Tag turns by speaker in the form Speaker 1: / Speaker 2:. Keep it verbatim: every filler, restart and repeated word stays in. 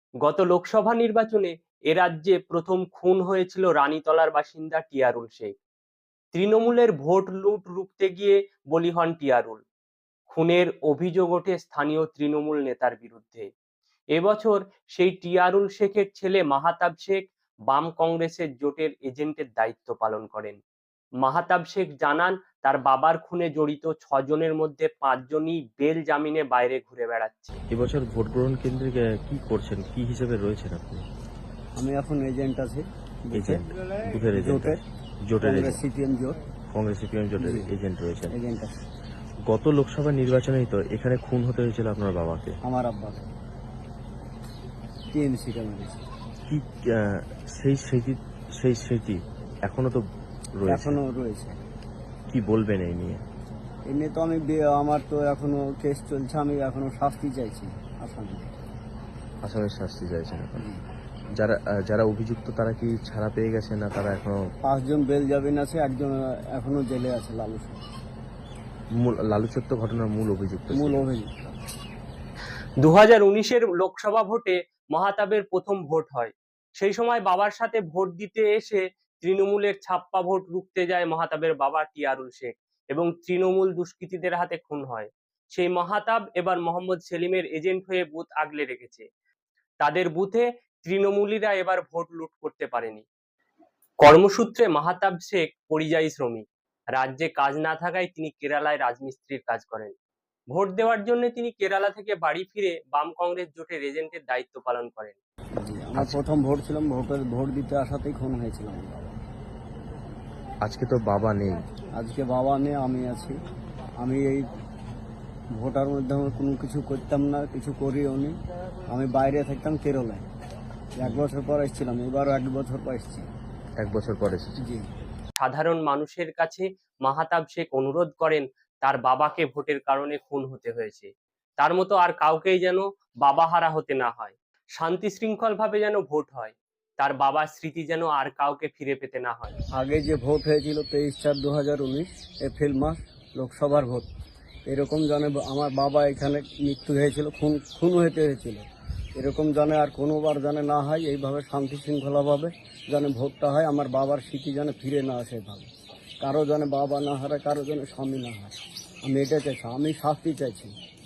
Speaker 1: গত লোকসভা নির্বাচনে এ রাজ্যে প্রথম খুন হয়েছিল রানীতলার বাসিন্দা টিয়ারুল শেখ। তৃণমূলের ভোট লুট রুখতে গিয়ে বলি হন টিয়ারুল। খুনের অভিযোগ ওঠে স্থানীয় তৃণমূল নেতার বিরুদ্ধে। এবছর সেই টিয়ারুল শেখের ছেলে মাহাতাব শেখ বাম কংগ্রেসের জোটের এজেন্টের দায়িত্ব পালন করেন। মাহাতাব শেখ জানান, তার বাবার খুনে জড়িত ছজনের মধ্যে পাঁচজনই বেল জামিনে বাইরে ঘুরে বেড়াচ্ছে।
Speaker 2: এবছর ভোট গ্রহণ কেন্দ্রে গে- কি করছেন, কি হিসেবে রয়েছেন আপনি?
Speaker 3: আমি এখন এজেন্ট আছি
Speaker 2: এজেন্ট, বুথের এজেন্ট,
Speaker 3: জোটের
Speaker 2: জোটের
Speaker 3: কংগ্রেস
Speaker 2: এজেন্ট,
Speaker 3: সিপিএম জোট
Speaker 2: কংগ্রেস সিপিএম জোটের
Speaker 3: জি।
Speaker 2: এজেন্ট রয়েছেন।
Speaker 3: এজেন্ট আছে
Speaker 2: গত লোকসভা নির্বাচনেই তো এখানে খুন হতে হয়েছিল আপনার বাবাকে।
Speaker 3: আমার আব্বা টিএমসিটা মেরেছে।
Speaker 2: কি আহ, সেই স্মৃতি, সেই স্মৃতি এখনো তো রয়েছে,
Speaker 3: এখনো রয়েছে।
Speaker 2: কি বলবেন এই নিয়ে?
Speaker 3: এমনি তো আমি বে- আমার তো এখনো কেস চলছে, আমি এখনো শাস্তি চাইছি আসামি।
Speaker 2: আসামের শাস্তি চাইছেন এখন? যারা আহ, যারা অভিযুক্ত তারা কি ছাড়া পেয়ে গেছে, না তারা এখনো?
Speaker 3: পাঁচজন বেল জামিন আছে, একজন এখনো জেলে আছে লালু শেখ,
Speaker 2: মূল লালুচত্ব ঘটনার মূল অভিযুক্ত
Speaker 3: মূল
Speaker 2: ছিলেন।
Speaker 3: অভিযুক্ত।
Speaker 1: দু হাজার উনিশের লোকসভা ভোটে মাহাতাবের প্রথম ভোট হয়। সেই সময় বাবার সাথে ভোট দিতে এসে তৃণমূলের ছাপ্পা ভোট রুখতে যায় মাহাতাবের বাবা টিয়ারুল শেখ এবং তৃণমূল দুষ্কৃতীদের হাতে খুন হয়। সেই মাহাতাব এবার মোহাম্মদ সেলিমের এজেন্ট হয়ে বুথ আগলে রেখেছে। তাদের বুথে তৃণমূলীরা এবার ভোট লুট করতে পারেনি। কর্মসূত্রে মাহাতাব শেখ পরিযায়ী শ্রমিক। রাজ্যে কাজ না থাকায় তিনি কেরালায় রাজমিস্ত্রির কাজ করেন। ভোট দেওয়ার জন্য তিনি কেরালা থেকে বাড়ি ফিরে বাম কংগ্রেস জোটের এজেন্টের দায়িত্ব পালন করেন।
Speaker 3: জি, আমার প্রথম ভোট ছিলাম, ভোটের ভোট দিতে আসাতেই খুন হয়েছিলাম আমার বাবা।
Speaker 2: আজকে তো বাবা নেই।
Speaker 3: আজকে বাবা নেই, আমি আছি। আমি এই ভোটার মধ্যে আমার কোনো কিছু করতাম না, কিছু করিও নি। আমি বাইরে থাকতাম কেরলায়, এক বছর পর এসেছিলাম, এবারও এক বছর পর এসেছি।
Speaker 2: এক বছর পর এসেছে।
Speaker 3: জি,
Speaker 1: সাধারণ মানুষের কাছে মাহাতাব শেখ অনুরোধ করেন, তার বাবাকে ভোটের কারণে খুন হতে হয়েছে, তার মতো আর কাউকেই যেন বাবাহারা হতে না হয়। শান্তি শৃঙ্খল ভাবে যেন ভোট হয়, তার বাবার স্মৃতি যেন আর কাউকে ফিরে পেতে না হয়।
Speaker 3: আগে যে ভোট হয়েছিল তেইশ চার দু হাজার উনিশ এপ্রিল মাস লোকসভার ভোট, এরকম জানে আমার বাবা এখানে মৃত্যু হয়েছিল, খুন খুন হতে হয়েছিল, এরকম জানে আর কোনোবার জানে না হয়। এইভাবে শান্তি শৃঙ্খলাভাবে জানে ভোটটা হয়, আমার বাবার স্মৃতি জানে ফিরে না আসে ভাবে, কারো জানে বাবা না হারায়, কারো জানে স্বামী না হয়। আমি এটা চাইছি, আমি শাস্তি চাইছি।